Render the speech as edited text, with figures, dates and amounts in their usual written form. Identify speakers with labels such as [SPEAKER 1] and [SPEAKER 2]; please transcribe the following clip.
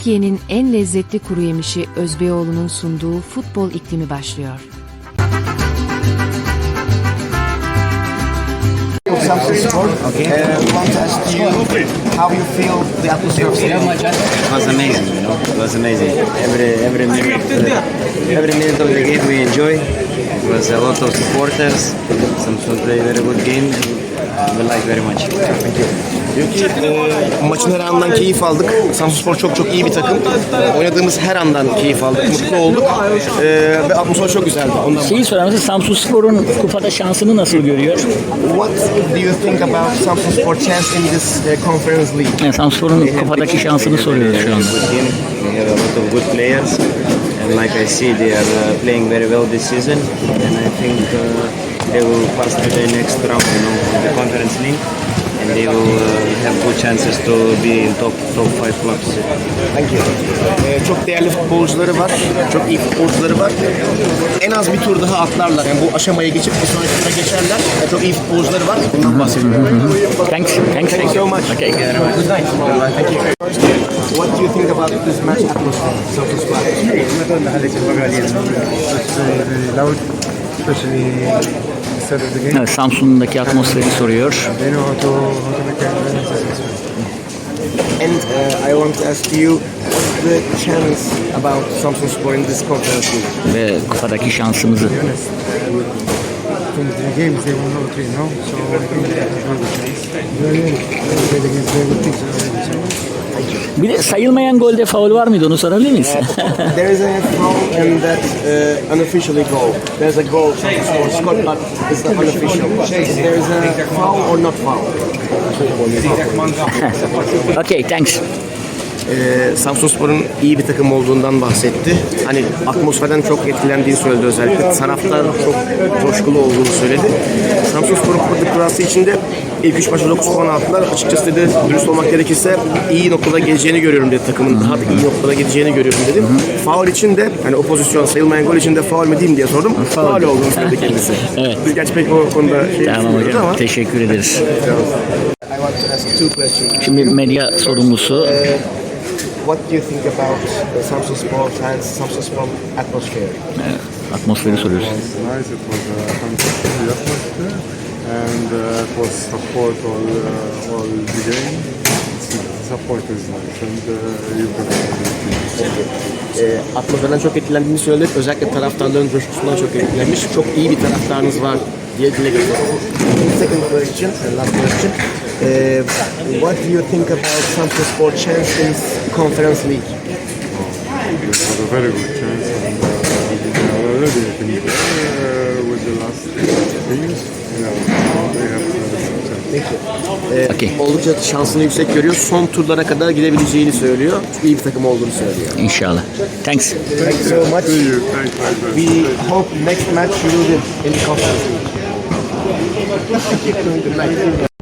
[SPEAKER 1] Türkiye'nin en lezzetli kuru yemişi Özbeyoğlu'nun sunduğu futbol iklimi başlıyor.
[SPEAKER 2] Okay. Want to ask you how you feel the atmosphere of stadium?
[SPEAKER 3] It was amazing, you know. It was amazing. Every minute of the game we enjoy. It was a lot of supporters. Samsun played very good game. We like very much.
[SPEAKER 2] Thank you. Diyor ki maçın her andan keyif aldık. Samsunspor çok iyi bir takım. Oynadığımız her andan keyif aldık. Mutlu olduk. Ve atmosfer çok güzeldi. Ondan
[SPEAKER 4] Şeyi sorar mısın? Samsunspor'un kupada şansını nasıl görüyor?
[SPEAKER 2] What do you think about Samsunspor chance in this conference league?
[SPEAKER 4] Yani Samsunspor'un kupadaki şansını soruyoruz şu anda.
[SPEAKER 3] Good team. We have a lot of good players. And like I see, they are playing very well this season. And I think they will pass to the next round, you know, of the conference league. And they will have good chances to be in top 5 clubs.
[SPEAKER 2] Thank you. Çok değerli futbolcuları var. Çok iyi futbolcuları var. En az bir tur daha atlarlar. Yani bu aşamayı geçip bir sonraki tura geçerler. Çok iyi futbolcuları var. Bundan bahsediyorum.
[SPEAKER 4] Thanks.
[SPEAKER 2] Thank you so much.
[SPEAKER 4] Okay.
[SPEAKER 2] Good night. Thank you. What do you think about this match atmosphere? Samsunspor.
[SPEAKER 5] Very loud, especially instead of the game.
[SPEAKER 4] Evet, Samsun'daki atmosferi soruyor.
[SPEAKER 5] They know how to make a successful.
[SPEAKER 2] And I want to ask you, what's the chance about Samsunspor in this conference league?
[SPEAKER 4] Ve kupadaki şansımızı.
[SPEAKER 5] To be honest, from the games they won all three, no? So I think they have a very good chance. They played against very good teams already, so.
[SPEAKER 4] Bir de sayılmayan golde faul var mıydı, onu sorabilir miyiz?
[SPEAKER 2] There is a foul and that unofficially goal. There's a goal Samsunspor scored, but it's not unofficial. There is a foul or not foul?
[SPEAKER 4] Okay, thanks.
[SPEAKER 2] Samsunspor'un iyi bir takım olduğundan bahsetti. Hani atmosferden çok etkilendiğini söyledi özellikle. Taraftar çok coşkulu olduğunu söyledi. Samsunspor'un kupada kurası içinde ilk 3 maçta 9 puan aldılar. Açıkçası dedi, dürüst olmak gerekirse iyi noktada geleceğini görüyorum dedi takımın. Daha da iyi noktada geleceğini görüyorum dedim. Faul için de hani o pozisyon sayılmayan gol için de faul mü diyeyim diye sordum. Faul olduğunu söyledi kendisi.
[SPEAKER 4] Evet.
[SPEAKER 2] Biz gerçi pek o konuda
[SPEAKER 4] Tamam hocam,
[SPEAKER 2] ama.
[SPEAKER 4] teşekkür ederiz.
[SPEAKER 2] I want to ask 2 questions.
[SPEAKER 4] Şimdi medya sorumlusu.
[SPEAKER 2] What do you think about Samsunspor fans, Samsunspor atmosphere?
[SPEAKER 4] Atmosferi soruyoruz.
[SPEAKER 5] It was nice, it was a fantastic atmosphere, and it was support all the game. Support is nice, and you can
[SPEAKER 2] Atmosferden çok etkilendiğini söyledi. Özellikle taraftarların coşkusundan çok etkilenmiş. Çok iyi bir taraftarınız var diye dile getirdi. Second question, last question. What do you think about Samsunspor chance in Conference League?
[SPEAKER 5] They have a very good chance, and they are already I think with the last games. Yeah, they have some chance.
[SPEAKER 2] Peki.
[SPEAKER 4] Okay.
[SPEAKER 2] Oldukça şansını yüksek görüyor. Son turlara kadar gidebileceğini söylüyor. İyi bir takım olduğunu söylüyor.
[SPEAKER 4] İnşallah. Thanks.
[SPEAKER 2] Thank you so much.
[SPEAKER 5] See you. Thanks.
[SPEAKER 2] We hope next match you will win in the Conference League.